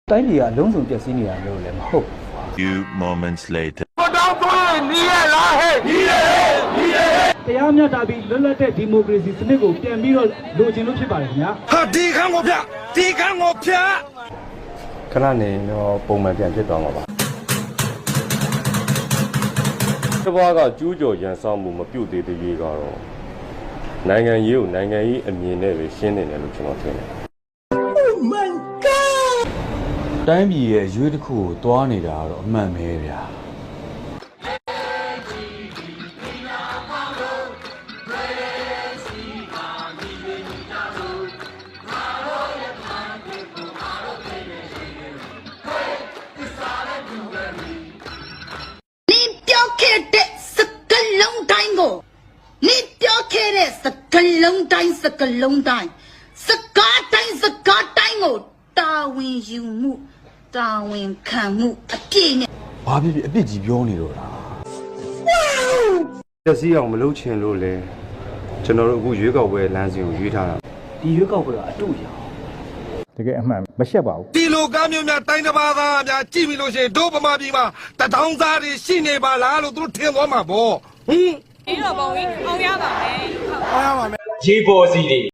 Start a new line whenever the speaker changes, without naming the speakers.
တိုင်းပြည်ကအလုံးစုံပြည့်စည်နေတာလို့လည်းမဟုတ်
Few moments later.
တရားမျှတပြီးလွတ်လပ်တဲ့ဒီမိုကရေစီစနစ်ကိုပြန်ပြီးတော့လိုချင်လို့ဖြစ်ပါတယ်ခင်ဗျာ
ဟာဒီခန်းကိုဖြတ်ဒီခန်းကိုဖြတ်
ခဏနေတော့ပုံမှန်ပြန်ဖြစ်သွားမှာပါတဘွားကကျူးကျော်ရန်ဆောင်မှုမပြုတ်သေးတဲ့ရေးကတော့နိုင်ငံရေးကိုနိုင်ငံရေးအမြင်နဲ့ပဲရှင်းနေတယ်လို့ကျွန်တော်ထင်တယ်
တိုင်းပြည်ရဲ့ရွေးတစ်ခုကိုတွားနေတာကတော့အမှန်ပဲဗျာ
你表开的是个龙蛋哦，你表开的是个龙蛋，是个龙蛋，是个蛋是个蛋哦，大文有目，大文看目，啊别呢。
ဘာဖြစ်ဖြစ်အပြစ်ကြီးပြောနေတော့လား
ပျက်စီးအောင်မလုပ်ချင်လို့လေကျွန်တော်တို့အခုရွေးကောက်ပွဲလမ်းစဉ်ကိုရွေးထားတာ
ဒီရွေးကောက်ပွဲကအတူရအောင်
တကယ်အမှန်မရှက်ပါဘူး
ဒီလိုကားမျိုးများတိုင်းတစ်ပါးသားများကြည့်ပြီလို့ရှိရင်တို့ဗမာပြည်မှာတထောင်သားတွေရှိနေပါလားလို့သူတို့ထင်သွားမှာပေါ့ဟင်
ဒီတော့ပုံကြီးအောင်ရပါမယ်
အားရပါမယ်
ရေပေါ်စီတွေ